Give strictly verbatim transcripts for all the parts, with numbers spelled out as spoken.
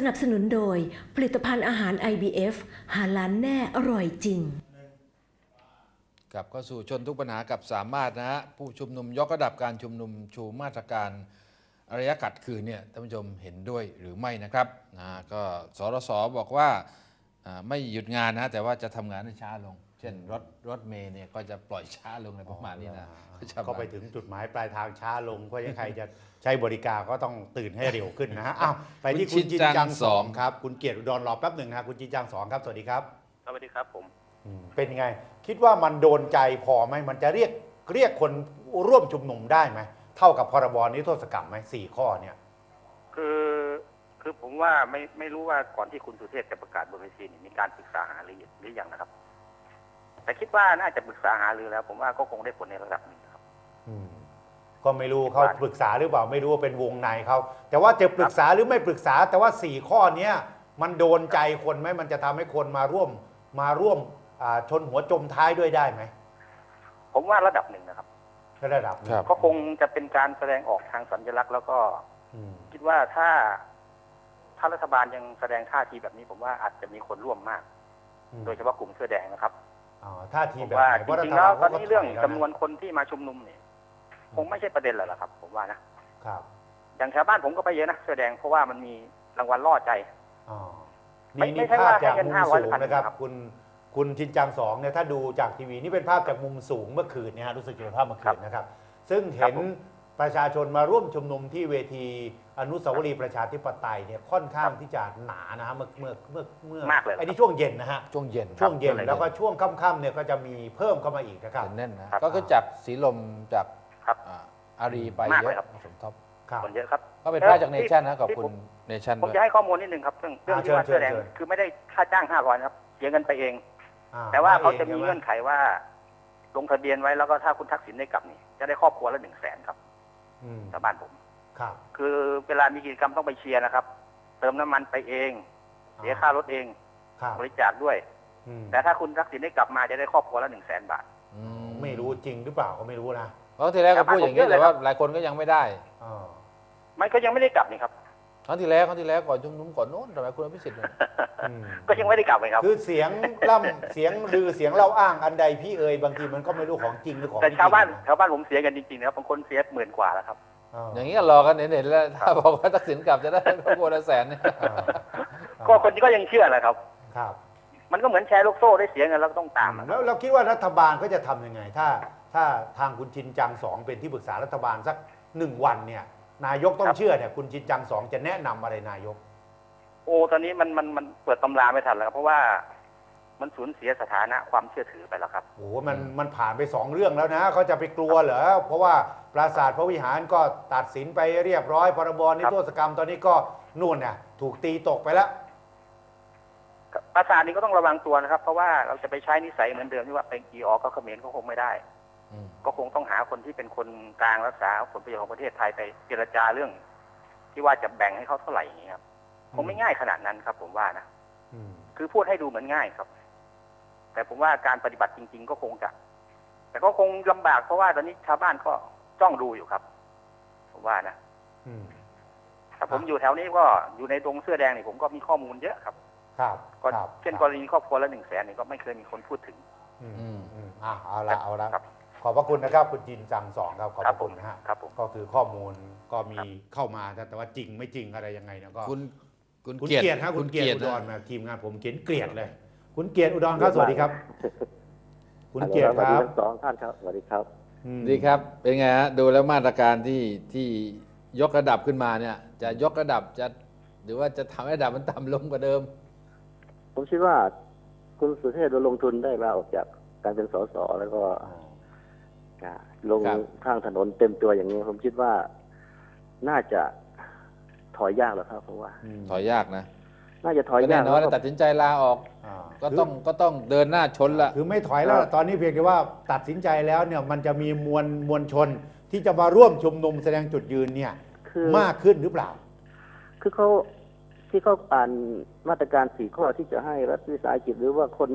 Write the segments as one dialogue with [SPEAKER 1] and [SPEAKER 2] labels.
[SPEAKER 1] นับสนุนโดยผลิตภัณฑ์อาหาร ไอ บี เอฟ หาล้านแน่อร่อยจริง
[SPEAKER 2] กลับเข้าสู่ชนทุกปัญหากับสามารถนะฮะผู้ชุมนุมยกระดับการชุมนุมชูมาตรการอารยะขัดขืนเนี่ยท่านผู้ชมเห็นด้วยหรือไม่นะครับนะก็สรสบอกว่าไม่หยุดงานนะแต่ว่าจะทำงานให้ช้าลงเช่นรถรถเมล์เนี่ยก็จะปล่อยช้าลงในประมาณนี้นะ
[SPEAKER 3] ก็ไปถึงจุดหมายปลายทางช้าลงเพราะยังใครจะใช้บริการก็ต้องตื่นให้เร็วขึ้นนะฮะอ้าวไปที่คุณจินจังสองครับคุณเกียรติอุดรรอแป๊บหนึ่งนะคุณจินจังสองครับสวัสดีครับ
[SPEAKER 4] สวัสดีครับผม
[SPEAKER 3] เป็นยังไงคิดว่ามันโดนใจพอไหมมันจะเรียกเรียกคนร่วมชุมนุมได้ไหมเท่ากับพรบนิรโทษกรรมไหมสี่ข้อเนี่ย
[SPEAKER 4] คือคือผมว่าไม่ไม่รู้ว่าก่อนที่คุณสุเทพจะประกาศบนเวทีนี่มีการปรึกษาหารือหรือยังนะครับแต่คิดว่าน่าจะปรึกษาหารือแล้วผมว่าก็คงได้ผลในระดับหนึ่งครับ
[SPEAKER 3] ก็ไม่รู้เขาปรึกษาหรือเปล่าไม่รู้ว่าเป็นวงในเขาแต่ว่าจะปรึกษาหรือไม่ปรึกษาแต่ว่าสี่ข้อนี้มันโดนใจคนไหมมันจะทำให้คนมาร่วมมาร่วมชนหัวจมท้ายด้วยได้ไหม
[SPEAKER 4] ผมว่าระดับหนึ่งนะครับ
[SPEAKER 3] ระดับ
[SPEAKER 4] ก็คงจะเป็นการแสดงออกทางสัญลักษณ์แล้วก็คิดว่าถ้าถ้ารัฐบาลยังแสดงท่าทีแบบนี้ผมว่าอาจจะมีคนร่วมมากโดยเฉพาะกลุ่มเสื้อแดงนะครับ
[SPEAKER 3] ท่าทีแบบ
[SPEAKER 4] ว่าจริงๆแล้วตอนนี้เรื่องจำนวนคนที่มาชุมนุมเนี่ยคงไม่ใช่ประเด็นแล้วล่ะครับผมว่านะครับอย่างชาวบ้านผมก็ไปเยอะนะเสื้อแดงเพราะว่ามันมีรางวัลล่อใจ
[SPEAKER 3] นี่นี่ภาพจากมุมสูงนะครับคุณคุณชินจังสองเนี่ยถ้าดูจากทีวีนี่เป็นภาพจากมุมสูงเมื่อคืนเนี่ยรู้สึกจะเป็นภาพเมื่อคืนนะครับซึ่งเห็นประชาชนมาร่วมชุมนุมที่เวทีอนุสาวรีย์ประชาธิปไตยเนี่ยค่อนข้างที่จะหนานะฮะเมื่อเมื่อเมื่อเมื่อไอ้นี่ช่วงเย็นนะฮะ
[SPEAKER 2] ช่วงเย็น
[SPEAKER 3] ช่วงเย็นแล้วก็ช่วงค่ำๆเนี่ยก็จะมีเพิ่มเข้ามาอีกนะครับ
[SPEAKER 2] แน่นนะก็คือจากสีลมจากอารีไปเยอะสมทบ
[SPEAKER 4] คนเยอะครับ
[SPEAKER 2] ก็เป็นภาพจากเนชั่นนะขอบคุณเนชั่น
[SPEAKER 4] ผมจะให้ข้อมูลนิดนึงครับเรื่องเรื่องที่ว่าเสื้อแดงคือไม่ได้ค่าจ้างห้าร้อยครับเสียเงินไปเองแต่ว่าเขาจะมีเงื่อนไขว่าลงทะเบียนไว้แล้วก็ถ้าคุณทักษิณได้กลับนี่จะได้ครอบครัวละหนึ่งแสนครับชาวบ้านผมคือเวลามีกิจกรรมต้องไปเชียร์นะครับเติมน้ำมันไปเองเสียค่ารถเองบริจาคด้วยแต่ถ้าคุณทักษิณได้กลับมาจะได้ครอบครัวละหนึ่งแสนบาท
[SPEAKER 3] ไม่รู้จริงหรือเปล่าก็ไม่รู้นะ
[SPEAKER 2] เพราะทีแรกก็พูดอย่างนี้แต่ว่าหลายคนก็ยังไม่ได้
[SPEAKER 4] มันก็ยังไม่ได้กลับนี่ครับ
[SPEAKER 2] ครั้งที่แล้วครั้งที่แล้วก่อนชุมนุมก่อนโน้นทำไมคุณอภิสิทธิ์
[SPEAKER 4] ก็ยังไม่ได้กลับเลยครับ
[SPEAKER 3] คือเสียงล่ำเสียงลือเสียงเล่าอ้างอันใดพี่เอ่ยบางทีมันก็ไม่รู้ของจริงหรือของ
[SPEAKER 4] แต่ชาวบ้านชาวบ้านผมเสียกันจริงๆนะครับบางคนเสียหมื่นกว่าแล้วครับ
[SPEAKER 2] อย่างนี้ก็รอกันเห็นๆแล้วถ้าบอกว่าทักษิณกลับจะได้ครอบครัวละแสนเนี่ย
[SPEAKER 4] ก็คนก็ยังเชื่อแหละครับ
[SPEAKER 3] ครับ
[SPEAKER 4] มันก็เหมือนแชร์ลูกโซ่ได้เสียเงินแล้วก็ต้องตาม
[SPEAKER 3] แล้วเราคิดว่ารัฐบาลก็จะทำยังไงถ้าถ้าทางคุณชินจังสองเป็นที่ปรึกษารัฐบาลสักหนึ่งวันเนี่ยนายกต้องเชื่อเนี่ยคุณชินจังสองจะแนะนำอะไรนายก
[SPEAKER 4] โอ้ตอนนี้มันมันมันเปิดตำราไม่ทันแล้วครับเพราะว่ามันสูญเสียสถานะความเชื่อถือไปแล้วครับ
[SPEAKER 3] โอ้มันมันผ่านไปสองเรื่องแล้วนะเขาจะไปกลัวเหรอเพราะว่าปราสาทพระวิหารก็ตัดสินไปเรียบร้อยพรบนิรโทษกรรมตอนนี้ก็นู่นน่ะถูกตีตกไปแล้ว
[SPEAKER 4] ปราสาทนี้ก็ต้องระวังตัวนะครับเพราะว่าเราจะไปใช้นิสัยเหมือนเดิมที่ว่าเป็นกีออก็เขมรก็คงไม่ได้ก็คงต้องหาคนที่เป็นคนกลางรักษาผลประโยชน์ของประเทศไทยไปเจรจาเรื่องที่ว่าจะแบ่งให้เขาเท่าไหร่อย่างนี้ครับคงไม่ง่ายขนาดนั้นครับผมว่านะคือพูดให้ดูเหมือนง่ายครับแต่ผมว่าการปฏิบัติจริงๆก็คงจะแต่ก็คงลำบากเพราะว่าตอนนี้ชาวบ้านก็จ้องดูอยู่ครับผมว่านะแต่ผมอยู่แถวนี้ก็อยู่ในตรงเสื้อแดงนี่ผมก็มีข้อมูลเยอะครับ
[SPEAKER 3] ครับ
[SPEAKER 4] ก็เช่นกรณีครอบครัวละหนึ่งแสนนี่ก็ไม่เคยมีคนพูดถึง
[SPEAKER 3] อืมอืมอ่าเอาละเอาละขอบพระคุณนะครับคุณจินจังสองครับขอบพระคุณนะฮะก็คือข้อมูลก็มีเข้ามาแต่ว่าจริงไม่จริงอะไรยังไงนะก็
[SPEAKER 2] คุณ
[SPEAKER 3] คุณเกียรติครับคุณเกียรติอุดรมาทีมงานผมเขียนเกลียดเลยคุณเกียรติอุดรครับสวัสดีครับคุณเกียรติครับ
[SPEAKER 5] สองท่านครับสวัสดีครับ
[SPEAKER 2] ดีครับเป็นไงฮะดูแล้วมาตรการที่ที่ยกระดับขึ้นมาเนี่ยจะยกระดับจะหรือว่าจะทำให้ระดับมันต่ำลงกว่าเดิม
[SPEAKER 5] ผมคิดว่าคุณสุเทพลงทุนได้ลาออกจากการเป็นสสแล้วก็ลงข้างถนนเต็มตัวอย่างนี้ผมคิดว่าน่าจะถอยยากแล้วครับผมว่า
[SPEAKER 2] ถอยยากนะ
[SPEAKER 5] น่าจะถอยยาก
[SPEAKER 2] แน่นอนตัดสินใจลาออกก็ต้องก็ต้องเดินหน้าชนละ
[SPEAKER 3] คือไม่ถอยแล้วตอนนี้เพียงแต่ว่าตัดสินใจแล้วเนี่ยมันจะมีมวลมวลชนที่จะมาร่วมชุมนุมแสดงจุดยืนเนี่ยมากขึ้นหรือเปล่า
[SPEAKER 5] คือเขาที่เขาอ่านมาตรการสี่ข้อที่จะให้รัฐวิสาหกิจหรือว่าคน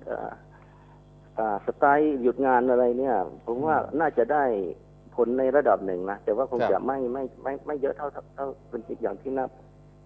[SPEAKER 5] สไตล์หยุดงานอะไรเนี่ยผมว่าน่าจะได้ผลในระดับหนึ่งนะแต่ว่าคงจะไม่ไม่ไม่ไม่เยอะเท่าเท่าเป็นอย่างที่นับท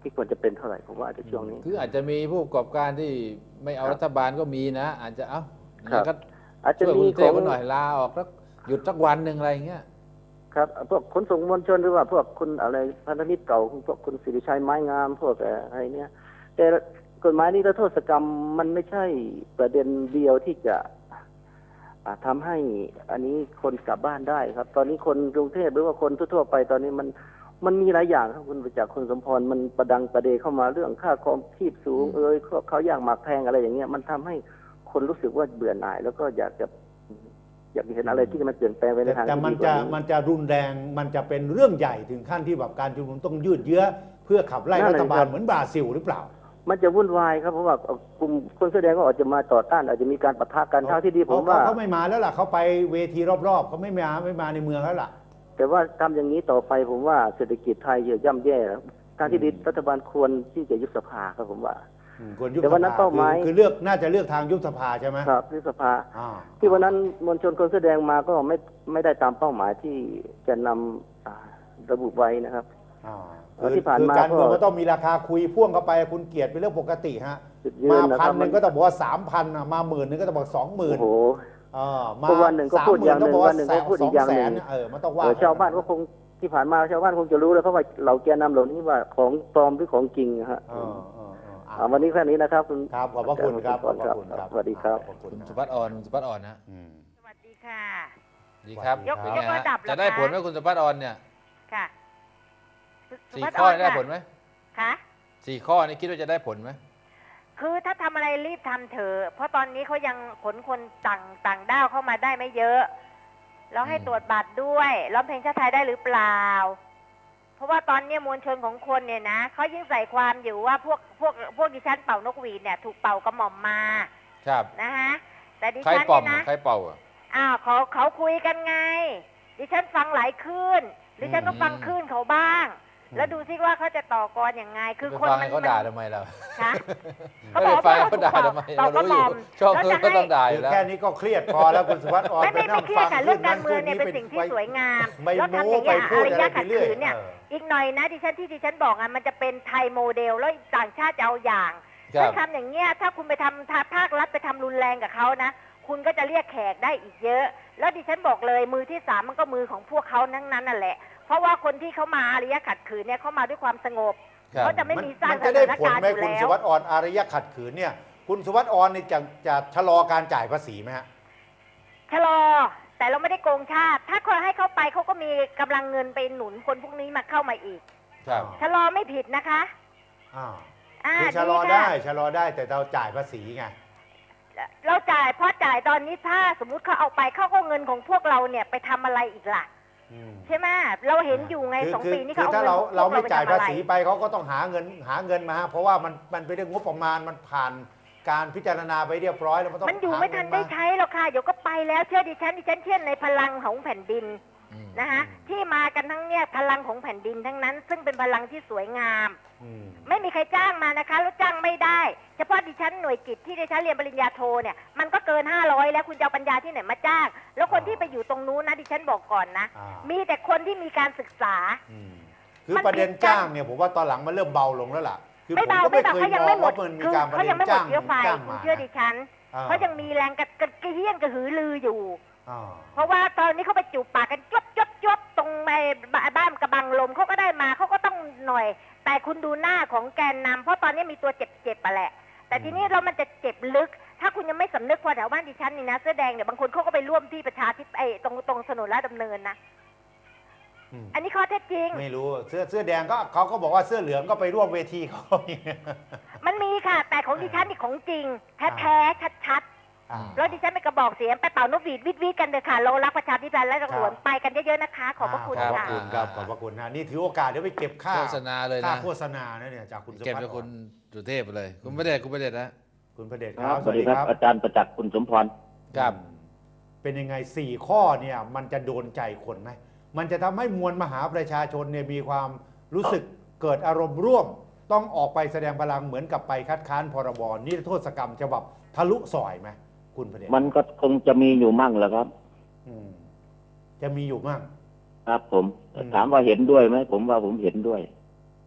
[SPEAKER 5] ที่ควรจะเป็นเท่าไหร่ผมว่าจะช่วงนี้
[SPEAKER 2] คืออาจจะมีผู้ประกอบการที่ไม่เอา
[SPEAKER 5] ครับ
[SPEAKER 2] รัฐบาลก็มีนะ อาจจะเอ้า
[SPEAKER 5] ครับ
[SPEAKER 2] ก็
[SPEAKER 5] อาจจะ
[SPEAKER 2] ช่วยก
[SPEAKER 5] มี
[SPEAKER 2] รุงเท
[SPEAKER 5] ขอ
[SPEAKER 2] พ
[SPEAKER 5] ง
[SPEAKER 2] กันหน่อยลาออกแล้วหยุดสักวันหนึ่งอะไรอย่างเงี้ย
[SPEAKER 5] ครับพวกขนส่งมวลชนหรือว่าพวกคุณอะไรพันธมิตรเก่าพวกคุณสิริชัยไม้งามพวกอะไรเนี้ยแต่กฎหมายนิรโทษกรรมมันไม่ใช่ประเด็นเดียวที่จะอ่าทำให้อันนี้คนกลับบ้านได้ครับ ตอนนี้คนกรุงเทพหรือว่าคนทั่วๆไปตอนนี้มันมันมีหลายอย่างครับคุณประจักษ์คุณสมพรมันประดังประเดเข้ามาเรื่องค่าครองชีพสูงเอ้ยเขาเขาอยากหมักแพงอะไรอย่างเงี้ยมันทำให้คนรู้สึกว่าเบื่อหน่าย แล้วก็อยากจะอยากเห็นอะไรที่มันเปลี่ยนแปลงไปใน
[SPEAKER 3] แต่
[SPEAKER 5] ทาง
[SPEAKER 3] แต่
[SPEAKER 5] ที่
[SPEAKER 3] มัน
[SPEAKER 5] ดีก
[SPEAKER 3] จะ
[SPEAKER 5] ว่านี้
[SPEAKER 3] มันจะรุนแรงมันจะเป็นเรื่องใหญ่ถึงขั้นที่แบบการชุมนุมต้องยืดเยื้อเพื่อขับไล่
[SPEAKER 5] นั่น
[SPEAKER 3] รั
[SPEAKER 5] แหละ
[SPEAKER 3] ฐบา
[SPEAKER 5] ครั
[SPEAKER 3] ล
[SPEAKER 5] บ
[SPEAKER 3] เหมือนบราซิลหรือเปล่า
[SPEAKER 5] มันจะวุ่นวายครับเพราะว่ากลุ่มคนแสอแดงก็อาจจะมาต่อต้านอาจจะมีการปะทะกันเท่าที่ดีผมว่า
[SPEAKER 3] เขาเขาไม่มาแล้วล่ะเขาไปเวทีรอบๆเขาไม่มาไม่มาในเมืองแล้วล่ะ
[SPEAKER 5] แต่ว่าทำอย่างนี้ต่อไปผมว่าเศรษฐกิจไทยจะย่ำแย่นะทางที่ดีรัฐบาลควรที่จะยุบสภาครับผมว่า
[SPEAKER 3] อืมควรยุบ
[SPEAKER 5] แต่
[SPEAKER 3] ส
[SPEAKER 5] วันนั้น
[SPEAKER 3] ภา
[SPEAKER 5] เป้าหมาย
[SPEAKER 3] คือคือเลือกน่าจะเลือกทางยุบสภาใช่ไหม
[SPEAKER 5] ครับยุบสภา
[SPEAKER 3] อ่า
[SPEAKER 5] ที่วันนั้นมวลชนคนแสอแดงมาก็ไม่ไม่ได้ตามเป้าหมายที่จะนำอ่าระบุไว้นะครับ
[SPEAKER 3] อ่า
[SPEAKER 5] เออ
[SPEAKER 3] คือ
[SPEAKER 5] ที่ผ่าน
[SPEAKER 3] คือ
[SPEAKER 5] มา
[SPEAKER 3] การเมือง
[SPEAKER 5] ก็
[SPEAKER 3] ก็ต้องมีราคาคุยพ่วงเข้าไปคุณเกียรติเป็นเรื่องปกติฮะ
[SPEAKER 5] จุดยืน
[SPEAKER 3] มา
[SPEAKER 5] นะค
[SPEAKER 3] พั
[SPEAKER 5] รั
[SPEAKER 3] น
[SPEAKER 5] บ
[SPEAKER 3] หนึ่งก็ต้องบอกว่าสามพันมาหมื่นหนึ่งก็ต้องบอกสองหมื่น
[SPEAKER 5] โอ้โห
[SPEAKER 3] อ่ามา
[SPEAKER 5] ก็วันหนึ่งก็พูดอย่างหนึ่ง
[SPEAKER 3] สม
[SPEAKER 5] วันหนึ่งก็พูดอีกอย่างหนึ่ง
[SPEAKER 3] สแสเออมันต้องว่า
[SPEAKER 5] เออชาวบ้านก็คงที่ผ่านมาชาวบ้านคงจะรู้แล้วเพราะว่าเราแกนนำเหล่านี้ว่าของปลอมหรือของจริงนะฮะ
[SPEAKER 3] เออเออเอออ่ะ
[SPEAKER 5] อ่าวันนี้แค่นี้นะครับคุณ
[SPEAKER 3] ครับขอบพระคุณครับขอบพระคุณครับ
[SPEAKER 5] สวัสดีครับ
[SPEAKER 3] ขอบคุณ
[SPEAKER 2] คุณ
[SPEAKER 3] นะ
[SPEAKER 2] สุภัฒน์อ่อนคุณสุภัฒน์อ่อนนะ
[SPEAKER 3] อืม
[SPEAKER 6] สวัสดีค่ะ
[SPEAKER 2] ดีครับ
[SPEAKER 3] ยก
[SPEAKER 2] เป็น
[SPEAKER 6] ย
[SPEAKER 2] ไง
[SPEAKER 6] กระ
[SPEAKER 2] ฮะ
[SPEAKER 6] ดับเหรอ
[SPEAKER 2] จะได้
[SPEAKER 6] คะ
[SPEAKER 2] ผลไหมคุณสุภัฒน์อ่อนเนี่ย
[SPEAKER 6] ค่ะ
[SPEAKER 2] สี่
[SPEAKER 6] สุภัฒน์
[SPEAKER 2] ข้อ
[SPEAKER 6] น
[SPEAKER 2] ได้
[SPEAKER 6] ค่ะ
[SPEAKER 2] ผลไหม
[SPEAKER 6] ค่ะ
[SPEAKER 2] สี่ข้อนี้คิดว่าจะได้ผลไหม
[SPEAKER 6] คือถ้าทำอะไรรีบทำเถอะ เพราะตอนนี้เขายังขนคนต่างต่างด้าวเข้ามาได้ไม่เยอะ แล้วให้ตรวจบัตรด้วยร้องเพลงชาติไทยได้หรือเปล่า เพราะว่าตอนนี้มวลชนของคนเนี่ยนะเขายิ่งใส่ความอยู่ว่าพวกพวกพวกดิฉันเป่านกหวีดเนี่ยถูกเป่ากระหม่อมมา
[SPEAKER 2] ครับ
[SPEAKER 6] นะฮะ แต่ดิ
[SPEAKER 2] ใคร
[SPEAKER 6] ฉัน
[SPEAKER 2] ป่อม
[SPEAKER 6] เนี่ย
[SPEAKER 2] อ่ะ
[SPEAKER 6] นะ
[SPEAKER 2] ใครเป่าอ่ะ
[SPEAKER 6] อ้าวเขาเขาคุยกันไง ดิฉันฟังหลายคลื่นดิฉันก็ฟังคลื่นเขาบ้าง แล้วดูซิว่าเขาจะต่อกรยังไง คือ
[SPEAKER 2] ไป
[SPEAKER 6] คน
[SPEAKER 2] ฟัง
[SPEAKER 6] มั
[SPEAKER 2] ให้
[SPEAKER 6] น
[SPEAKER 2] เขาด่าทำไมเรา
[SPEAKER 6] คะ
[SPEAKER 2] ไม่ได้ฟังให้เขาด่าทำไมเรารู้อยู่ชอบเขาก็ต้องด่าอ
[SPEAKER 3] คื
[SPEAKER 2] ยู่
[SPEAKER 3] อ
[SPEAKER 2] แล้ว
[SPEAKER 3] แค่นี้ก็เครียดพอแล้วคุณสุวัสดิ์อ่อน
[SPEAKER 6] ไม่ไม่
[SPEAKER 3] ปนั่
[SPEAKER 6] ไม่เครียดค่ะ
[SPEAKER 3] ฟั
[SPEAKER 6] เรื่องการเมืองเนี่ยเป็นสิ่งที่สวยงาม
[SPEAKER 3] ไม่
[SPEAKER 6] แล้วทำอ
[SPEAKER 3] โม้
[SPEAKER 6] ย่าง
[SPEAKER 3] ไป
[SPEAKER 6] เงี้ย
[SPEAKER 3] พู
[SPEAKER 6] อา
[SPEAKER 3] ด
[SPEAKER 6] ร
[SPEAKER 3] อะไร
[SPEAKER 6] ยะ
[SPEAKER 3] ไป
[SPEAKER 6] ขัด
[SPEAKER 3] เรื่อย
[SPEAKER 6] ขืนเนี่ย
[SPEAKER 3] เออ
[SPEAKER 6] อีกหน่อยนะดิฉันที่ดิฉันบอกอ่ะมันจะเป็นไทยโมเดลแล้วต่างชาติจะเอาอย่าง
[SPEAKER 2] ครับ
[SPEAKER 6] ถ้าทำอย่างเงี้ยถ้าคุณไปทำถ้าภาครัฐไปทำรุนแรงกับเขานะคุณก็จะเรียกแขกได้อีกเยอะ แล้วดิฉันบอกเลยมือที่สามมันก็มือของพวกเขาทั้งนั้นนั่นแหละ เพราะว่าคนที่เขามาอารยะขัดขืนเนี่ยเขามาด้วยความสงบ
[SPEAKER 2] ครับ
[SPEAKER 6] เขาจะไม่มีสร้าง
[SPEAKER 3] มัน
[SPEAKER 6] ส
[SPEAKER 3] จะได้
[SPEAKER 6] ถาน
[SPEAKER 3] ผล
[SPEAKER 6] การณ์
[SPEAKER 3] ไหม
[SPEAKER 6] อยู่
[SPEAKER 3] คุณ
[SPEAKER 6] แล้
[SPEAKER 3] สุ
[SPEAKER 6] ว
[SPEAKER 3] วัสดิ์อ่อนอารยะขัดขืนเนี่ยคุณสุวัสดิ์อ่อนนี่จะจะชะลอการจ่ายภาษีไหมฮะ
[SPEAKER 6] ชะลอแต่เราไม่ได้โกงชาติ ถ้าคนให้เขาไปเขาก็มีกำลังเงินไปหนุนคนพวกนี้มาเข้ามาอีก
[SPEAKER 2] ครับ
[SPEAKER 6] ชะลอไม่ผิดนะคะ
[SPEAKER 3] อ่า
[SPEAKER 6] อ่า
[SPEAKER 3] คือชะลอ
[SPEAKER 6] ค่ะ
[SPEAKER 3] ได้ชะลอได้แต่เราจ่ายภาษีไง
[SPEAKER 6] เราจ่ายเพราะจ่ายตอนนี้ถ้าสมมุติเขาเอาไปเขาก็เงินของพวกเราเนี่ยไปทำอะไรอีกล่ะ
[SPEAKER 3] อืม
[SPEAKER 6] ใช่ไหมเราเห็นอยู่ไง
[SPEAKER 3] คือ
[SPEAKER 6] สอง
[SPEAKER 3] คือ
[SPEAKER 6] ปีนี้
[SPEAKER 3] คื
[SPEAKER 6] เขา
[SPEAKER 3] อ
[SPEAKER 6] เอา
[SPEAKER 3] ถ้า
[SPEAKER 6] เงิน
[SPEAKER 3] เรา
[SPEAKER 6] ของพวก
[SPEAKER 3] เราไม่
[SPEAKER 6] ป
[SPEAKER 3] จ่าย
[SPEAKER 6] ทำอะ
[SPEAKER 3] ภา
[SPEAKER 6] ไร
[SPEAKER 3] ษีไปเขาก็ต้องหาเงินหาเงินมาฮะเพราะว่ามันมันเป็นเรื่องงบประมาณมันผ่านการพิจารณาไปเรียบร้อยแล้วมันต้อง
[SPEAKER 6] มันอยู่
[SPEAKER 3] หา
[SPEAKER 6] ไม่ทัน
[SPEAKER 3] เงิ
[SPEAKER 6] ได้
[SPEAKER 3] มา
[SPEAKER 6] ใช้หรอกค่ะเดี๋ยวก็ไปแล้วเชื่อดิฉันดิฉันเชื่อในพลังของแผ่นดิน
[SPEAKER 2] อืม
[SPEAKER 6] นะคะที่มากันทั้งเนี่ยพลังของแผ่นดินทั้งนั้น ซึ่งเป็นพลังที่สวยงาม
[SPEAKER 3] อืม
[SPEAKER 6] ไม่มีใครจ้างมานะคะแล้วจ้างไม่ได้ เฉพาะดิฉันหน่วยกิจที่ดิฉันเรียนปริญญาโทเนี่ยมันก็เกินห้าร้อยแล้วคุณจะเอาปัญญาที่ไหนมาจ้าง แล้วคนที่ไปอยู่ตรงนู้นนะดิฉันบอกก่อนนะ
[SPEAKER 3] อ่า
[SPEAKER 6] มีแต่คนที่มีการศึกษา
[SPEAKER 3] อืมคือประเด็นจ้างเนี่ยผมว่าตอนหลังมันเริ่มเบาลงแล้วล่ะคือ
[SPEAKER 6] ไม่
[SPEAKER 3] ผม
[SPEAKER 6] เบา
[SPEAKER 3] ก็
[SPEAKER 6] ไม่
[SPEAKER 3] ไม่
[SPEAKER 6] เบา
[SPEAKER 3] เคย
[SPEAKER 6] เขายัง
[SPEAKER 3] มอ
[SPEAKER 6] ไม่
[SPEAKER 3] ง
[SPEAKER 6] หมด
[SPEAKER 3] ว่ามันมี
[SPEAKER 6] คือ
[SPEAKER 3] การประ
[SPEAKER 6] เขา
[SPEAKER 3] เด็
[SPEAKER 6] ยัง
[SPEAKER 3] น
[SPEAKER 6] ไม่หม
[SPEAKER 3] จ้า
[SPEAKER 6] ด
[SPEAKER 3] ง
[SPEAKER 6] เชื้อไฟ
[SPEAKER 3] จ้าง
[SPEAKER 6] คุณ
[SPEAKER 3] มา
[SPEAKER 6] เชื่อดิฉัน
[SPEAKER 3] อ่า
[SPEAKER 6] เขายังมีแรงกระกระเฮี้ยนกระหือรืออยู่
[SPEAKER 3] อ่า
[SPEAKER 6] เพราะว่าตอนนี้เขาไปจูบปากกันจบจบจบตรงในบ้านกระบังลมเขาก็ได้มาเขาก็ต้องหน่อย แต่คุณดูหน้าของแกนนำเพราะตอนนี้มีตัวเจ็บๆไปแหละ แต่ทีนี้เรามันจะเจ็บลึก ถ้าคุณยังไม่สำนึกพอแถวบ้านดิฉันนี่นะเสื้อแดงเนี่ยบางคนเขาก็ไปร่วมที่ประชาธิปไอ้ตรงตรงถนนลาดดำเนินนะ
[SPEAKER 3] อืม
[SPEAKER 6] อันนี้ข้อเท็จจริง
[SPEAKER 3] ไม่รู้เสื้อเสื้อแดงก็เขาก็บอกว่าเสื้อเหลืองก็ไปร่วมเวทีเขา
[SPEAKER 6] มันมีค่ะ แต่ของดิฉันนี่ของจริงแท้ๆชัดๆ
[SPEAKER 3] อ่า
[SPEAKER 6] แล้วดิฉันไปกระบอกเสียงไปเป่านกหวีดวิดวิดกันเลยค่ะเรารักประชาธิปไตยและตำรวจ
[SPEAKER 3] ครับ
[SPEAKER 6] ไปกันเยอะๆนะคะ ขอบพระคุณ
[SPEAKER 3] ขอบพระ
[SPEAKER 6] ค่ะ
[SPEAKER 3] คุณครับขอบพระคุณนะนี่ถือโอกาสเดี๋ยวไปเก็บค่า
[SPEAKER 2] โฆษณาเลย
[SPEAKER 3] ค่า
[SPEAKER 2] นะ
[SPEAKER 3] โฆษณานะเนี่ยจากคุณสุ
[SPEAKER 2] เก็บ
[SPEAKER 3] ภัท
[SPEAKER 2] จาก
[SPEAKER 3] ร
[SPEAKER 2] คุณสุเทพไปเลย คุณประเดชคุณประเดชนะ
[SPEAKER 3] คุณประเดช
[SPEAKER 5] ค
[SPEAKER 3] ค
[SPEAKER 5] รั
[SPEAKER 3] รั
[SPEAKER 5] บบ สวัสดีครับอาจารย์ประจักษ์คุณสมพร
[SPEAKER 2] ครับ
[SPEAKER 3] เป็นยังไงสี่ข้อเนี่ยมันจะโดนใจคนไหมมันจะทำให้มวลมหาประชาชนเนี่ยมีความรู้สึกเกิดอารมณ์ร่วม ต้องออกไปแสดงพลังเหมือนกับไปคัดค้านพรบนิรโทษกรรมฉบับทะลุซอยไหมคุณประเดช
[SPEAKER 5] มันก็คงจะมีอยู่มั่งแหละครับ
[SPEAKER 3] อืมจะมีอยู่มั่ง
[SPEAKER 5] ครับผม
[SPEAKER 3] อืม
[SPEAKER 5] ถามว่าเห็นด้วยไหมผมว่าผมเห็นด้วย
[SPEAKER 3] อ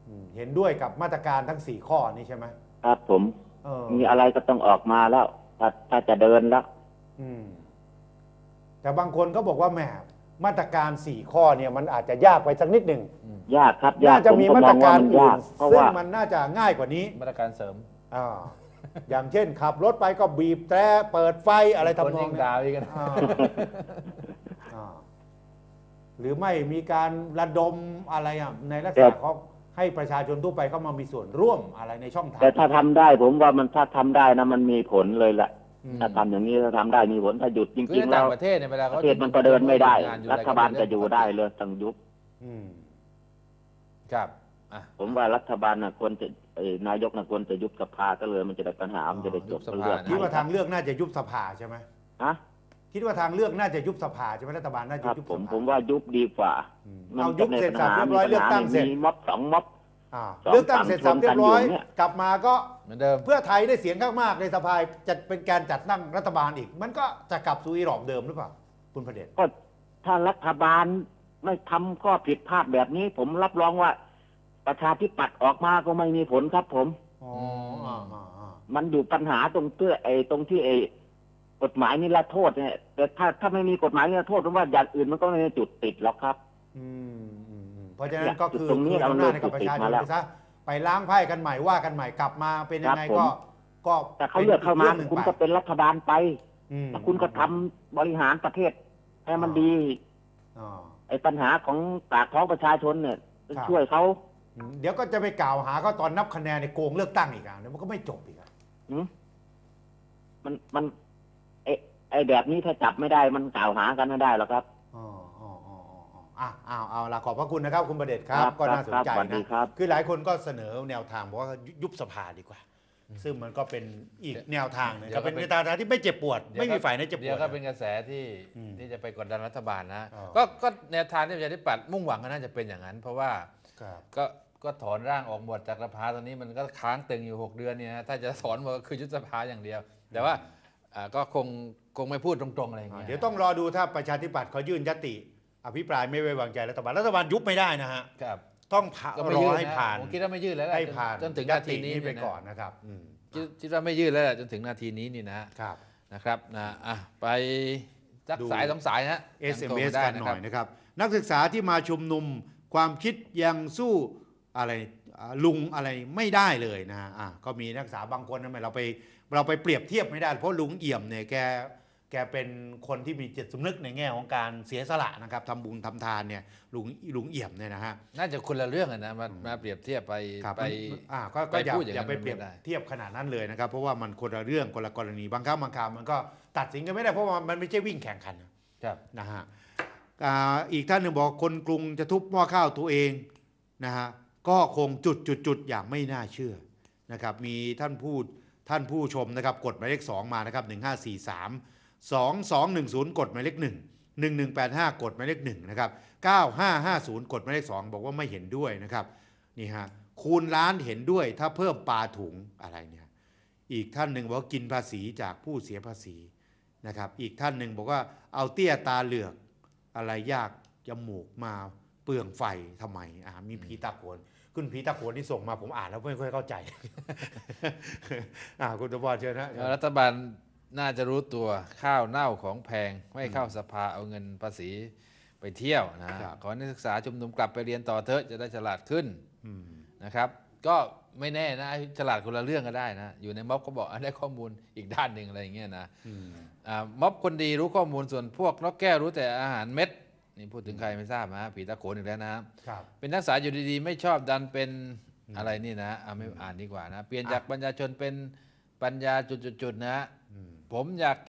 [SPEAKER 3] อืมเห็นด้วยกับมาตรการทั้งสี่ข้อนี้ใช่ไหม
[SPEAKER 5] ครับผม
[SPEAKER 3] เออ
[SPEAKER 5] มีอะไรก็ต้องออกมาแล้ว ถ้าถ้าจะเดินแล้ว
[SPEAKER 3] อืมแต่บางคนก็บอกว่าแหมมาตรการสี่ข้อเนี่ยมันอาจจะยากไปสักนิดหนึ่ง
[SPEAKER 5] ยากครับยา
[SPEAKER 3] น่าก จะ
[SPEAKER 5] ผม
[SPEAKER 3] มี
[SPEAKER 5] ก็
[SPEAKER 3] มาม ต
[SPEAKER 5] อ
[SPEAKER 3] รง
[SPEAKER 5] ว่า
[SPEAKER 3] การ
[SPEAKER 5] มัน
[SPEAKER 3] อื่
[SPEAKER 5] ยาน ก เพราะ
[SPEAKER 3] ซึ่ง
[SPEAKER 5] ว่า
[SPEAKER 3] มันน่าจะง่ายกว่านี้
[SPEAKER 2] มาตรการเสริม
[SPEAKER 3] อ่าอย่างเช่น ขับรถไปก็บีบแตรเปิดไฟอะไรทำนอง
[SPEAKER 2] คนยิง
[SPEAKER 3] นี้
[SPEAKER 2] ดาวอีกนะ
[SPEAKER 3] อ่าอ่าหรือไม่มีการระดมอะไรอ่ะในลักษ
[SPEAKER 5] แต่
[SPEAKER 3] ณะของให้ประชาชนทั่วไปเข้ามามีส่วนร่วมอะไรในช่องทาง
[SPEAKER 5] แต่ถ้าทำได้ ผมว่ามันถ้าทำได้นะมันมีผลเลยแหละ
[SPEAKER 3] อืม
[SPEAKER 5] ถ้าทำอย่างนี้ถ้าทำได้มีผลถ้าหยุดจ
[SPEAKER 2] คือ
[SPEAKER 5] ริง
[SPEAKER 2] ใน
[SPEAKER 5] ๆ แล้
[SPEAKER 2] ต่าว งประเทศเนี่ยเวลา
[SPEAKER 5] ป
[SPEAKER 2] เขา
[SPEAKER 5] ระเทศมันก็เดินไม่ได้
[SPEAKER 2] งนอ
[SPEAKER 5] รั
[SPEAKER 2] ไร
[SPEAKER 5] ฐบาลจะอยู่ได้เลยต้องยุบ
[SPEAKER 3] อืม
[SPEAKER 2] ครับอ่ะ
[SPEAKER 5] ผมว่ารัฐบาลน่ะควรจะเอ่อนายกน่ะควรจะยุบสภาก็เลยมันจะได้ปัญหามันจะได้จบ
[SPEAKER 2] ยุบสภา
[SPEAKER 5] เรื่อง
[SPEAKER 3] คิดว่าทางเลือกน่าจะยุบสภาใช่ไหม
[SPEAKER 5] ฮะ
[SPEAKER 3] คิดว่าทางเลือกน่าจะยุบสภาใช่ไหมรัฐบาลน่า
[SPEAKER 5] ค
[SPEAKER 3] จะ
[SPEAKER 5] รับ
[SPEAKER 3] ยุบ
[SPEAKER 5] ผ
[SPEAKER 3] ส
[SPEAKER 5] ม
[SPEAKER 3] ภา
[SPEAKER 5] ผมว่ายุบดีกว่า
[SPEAKER 3] อืม
[SPEAKER 5] มั
[SPEAKER 3] เอา
[SPEAKER 5] น
[SPEAKER 3] ยุบเสร็จสับเรียบร้อยเลือกตั้งเสร็จ
[SPEAKER 5] มีม็อบสองม็อบ
[SPEAKER 3] อ่า
[SPEAKER 5] สอง
[SPEAKER 3] เลือกตั้งเสร็จสับเรียบร้อย
[SPEAKER 5] ฝั่งชนกันอยู่เนี่ย
[SPEAKER 3] กลับมาก็
[SPEAKER 2] เหมือนเดิม
[SPEAKER 3] เพื่อไทยได้เสียงข้างมากในสภาจะเป็นการจัดตั้งรัฐบาลอีก มันก็จะกลับสู่อีหลอบเดิมหรือเปล่าคุณพระเดช
[SPEAKER 5] ก็ถ้ารัฐบาลไม่ทำข้อผิดพลาดแบบนี้ ผมรับรองว่า ประชาธิปัตย์ออกมาก็ไม่มีผลครับผม
[SPEAKER 3] อ๋ออ่าอ่าอ่า
[SPEAKER 5] มันอยู่ปัญหาตรงเตื้อไอ้ตรงที่ไอ้กฎหมายนิรโทษเนี่ยแต่ถ้าถ้าไม่มีกฎหมายนิรโทษผมว่าอย่างอื่นมันก็ไม่มีจุดติดหรอกครับ
[SPEAKER 3] อืมอืมอืมเพราะฉะนั้นก็คือ
[SPEAKER 5] ตรงนี้
[SPEAKER 3] คือ
[SPEAKER 5] เรา
[SPEAKER 3] อำนาจให้กับประชาชน
[SPEAKER 5] ติดมาแล้ว
[SPEAKER 3] ไปซะไปล้างไพ่กันใหม่ว่ากันใหม่กลับมาเป็นยังไง
[SPEAKER 5] ครับผม
[SPEAKER 3] ก็ก็
[SPEAKER 5] แต่เขาเลือกเข้ามา
[SPEAKER 3] ป็นรื่องหนึ่ง
[SPEAKER 5] คุณ
[SPEAKER 3] ไป
[SPEAKER 5] ก็เป็นรัฐบาลไป
[SPEAKER 3] อืม
[SPEAKER 5] ถ้าคุณก็ทำบริหารประเทศให้มันดี
[SPEAKER 3] อ่า
[SPEAKER 5] ไอ้ปัญหาของปากท้องประชาชนเนี่ย
[SPEAKER 3] ครับ
[SPEAKER 5] ช่วยเขา
[SPEAKER 3] อืมเดี๋ยวก็จะไปกล่าวหาเขาตอนนับคะแนนในโกงเลือกตั้งอีกอ่ะเดี๋ยวมันก็ไม่จบอีกอ่ะ
[SPEAKER 5] หืมมันมันไอ้ไอ้แบบนี้ถ้าจับไม่ได้มันกล่าวหากันไม่ได้หรอกครับ
[SPEAKER 3] อ๋ออ๋ออ๋ออ๋ออ๋ออ่ะเอาเอาละขอบพระคุณนะครับ คุณประเดชครับ
[SPEAKER 5] ครับ
[SPEAKER 3] ก็น่าสนใจ
[SPEAKER 5] ครับสวัสดี
[SPEAKER 3] นะครับ คือหลายคนก็เสนอแนวทางบอกว่ายุบสภาดีกว่า ซึ่งมันก็เป็นอีกแนวทางหนึง
[SPEAKER 2] เดี๋ยว
[SPEAKER 3] ก็เป็น
[SPEAKER 2] ก็เป็น
[SPEAKER 3] แนวทางที่ไม่เจ็บปวด
[SPEAKER 2] เดี๋ยว
[SPEAKER 3] ไม่มี
[SPEAKER 2] ก็
[SPEAKER 3] ฝ่ายไหนเจ็บป
[SPEAKER 2] เดี๋ยว ว
[SPEAKER 3] ด
[SPEAKER 2] ก็เป็นกระแสที่
[SPEAKER 3] อืม
[SPEAKER 2] ที่จะไปกดดันรัฐบาลนะ
[SPEAKER 3] อ๋อ
[SPEAKER 2] ก็ก็แนวทางที่ประชาธิปัตย์มุ่งหวังก็น่าจะเป็นอย่างนั้น เพราะว่า
[SPEAKER 3] ครับ
[SPEAKER 2] ก็ก็ถอนร่างออกหมดจากสภาตอนนี้มันก็ค้างตึงอยู่หกเดือนเนี่ยนะถ้าจะถอนหมดก็คือยุบสภาอย่างเดียว แต่ว่าอ่าก็คงคงไม่พูดตรงๆอะไรอย่าง
[SPEAKER 3] อ่า
[SPEAKER 2] เงี้ย
[SPEAKER 3] เดี๋ยวต้องรอดูถ้าประชาธิปัตย์เขายื่นยติ อภิปรายไม่ไว้วางใจรัฐบาลรัฐบาลยุบไม่ได้นะฮะ
[SPEAKER 2] ครับ
[SPEAKER 3] ต้องผ่า
[SPEAKER 2] ก็ไม่
[SPEAKER 3] รอ
[SPEAKER 2] ยื่น
[SPEAKER 3] ให้
[SPEAKER 2] นะ
[SPEAKER 3] ผ่าน
[SPEAKER 2] ผมคิดว่าไม่ยื่นแล้วแหละ
[SPEAKER 3] ให้ผ่าน
[SPEAKER 2] จนถึง
[SPEAKER 3] ย
[SPEAKER 2] นา
[SPEAKER 3] ติ
[SPEAKER 2] ทีนี้
[SPEAKER 3] นี้ไป
[SPEAKER 2] เยะ
[SPEAKER 3] ก่อนนะครับอืม
[SPEAKER 2] คิดคิดว่าไม่ยื่นแล้วแหละจนถึงนาทีนี้นี่นะ
[SPEAKER 3] ครับ
[SPEAKER 2] นะครับนะอ่ะไปสัก
[SPEAKER 3] ดู
[SPEAKER 2] สายสองสายนะ
[SPEAKER 3] เอส
[SPEAKER 2] ยั
[SPEAKER 3] เอ็
[SPEAKER 2] ง
[SPEAKER 3] ม
[SPEAKER 2] โทร
[SPEAKER 3] เอส
[SPEAKER 2] มาได้
[SPEAKER 3] กันหน่อยนะครับ นักศึกษาที่มาชุมนุมความคิดยังสู้อะไรอ่าลุงอะไรไม่ได้เลยนะฮะอ่ะก็มีนักศึกษาบางคนทำไมเราไปเราไปเปรียบเทียบไม่ได้ เพราะลุงเอี่ยมเนี่ยแกแกเป็นคนที่มีจิตสำนึกในแง่ของการเสียสละนะครับทำบุญทำทานเนี่ยลุงลุงเอี่ยมเนี่ยนะฮะ
[SPEAKER 2] น่าจะคนละเรื่องอะนะมามาเปรียบเทียบไป
[SPEAKER 3] ครับ
[SPEAKER 2] ไป
[SPEAKER 3] มันอ่าก็
[SPEAKER 2] ไป
[SPEAKER 3] ก็อย่า
[SPEAKER 2] พูดอย่าง
[SPEAKER 3] อย่า
[SPEAKER 2] นั้น
[SPEAKER 3] ไปเปรียบ
[SPEAKER 2] ไม่ได้
[SPEAKER 3] เทียบขนาดนั้นเลยนะครับ เพราะว่ามันคนละเรื่องคนละกรณีบางครั้งบางคราวมันก็ตัดสินกันไม่ได้เพราะว่ามันไม่ใช่วิ่งแข่งขัน
[SPEAKER 2] ครับ
[SPEAKER 3] นะฮะอ่าอีกท่านหนึ่งบอกคนกรุงจะทุบหม้อข้าวตัวเองนะฮะก็คงจุดจุดจุดอย่างไม่น่าเชื่อนะครับมีท่านพูดท่านผู้ชมนะครับกดหมายเลขสองมานะครับหนึ่งห้าสี่สามสองสองหนึ่งศูนย์กดหมายเลขหนึ่งหนึ่งหนึ่งแปดห้ากดหมายเลขหนึ่งนะครับเก้าห้าห้าศูนย์กดหมายเลขสองบอกว่าไม่เห็นด้วยนะครับนี่ฮะคูณล้านเห็นด้วยถ้าเพิ่มปลาถุงอะไรเนี่ยอีกท่านหนึ่งบอกว่ากินภาษีจากผู้เสียภาษีนะครับอีกท่านหนึ่งบอกว่าเอาเตี้ยตาเหลือกอะไรยากจมูกมาเปลืองไฟทำไมอ่ามีผีตาโขนคุณผีตาโขนที่ส่งมาผมอ่านแล้วไม่ค่อยเข้าใจ อ่าคุณตบอลเชิญนะ
[SPEAKER 2] รัฐบาลน่าจะรู้ตัวข้าวเน่าของแพงไม่เข้าสภาเอาเงินภาษีไปเที่ยวนะครับ ขอนักศึกษาชุมนุมกลับไปเรียนต่อเถอะจะได้ฉลาดขึ้น
[SPEAKER 3] อืม
[SPEAKER 2] นะครับ ก็ไม่แน่นะฉลาดคนละเรื่องก็ได้นะอยู่ในม็อบก็บอกอ่ะได้ข้อมูลอีกด้านหนึ่งอะไรอย่างเงี้ยนะ
[SPEAKER 3] อืม
[SPEAKER 2] อ่าม็อบคนดีรู้ข้อมูลส่วนพวกนกแก้วรู้แต่อาหารเม็ดนี่พูดถึงใครไม่ทราบนะผีตาโขนอีกแล้วนะครับ
[SPEAKER 3] ครับ
[SPEAKER 2] เป็นนักศึกษาอยู่ดีๆ ไม่ชอบดันเป็นอะไรนี่นะอ่ะไม่อ่านดีกว่านะ เปลี่ยนจากปัญญาชนเป็นปัญญาจุดๆๆนะ
[SPEAKER 3] อืม
[SPEAKER 2] ผมอยาก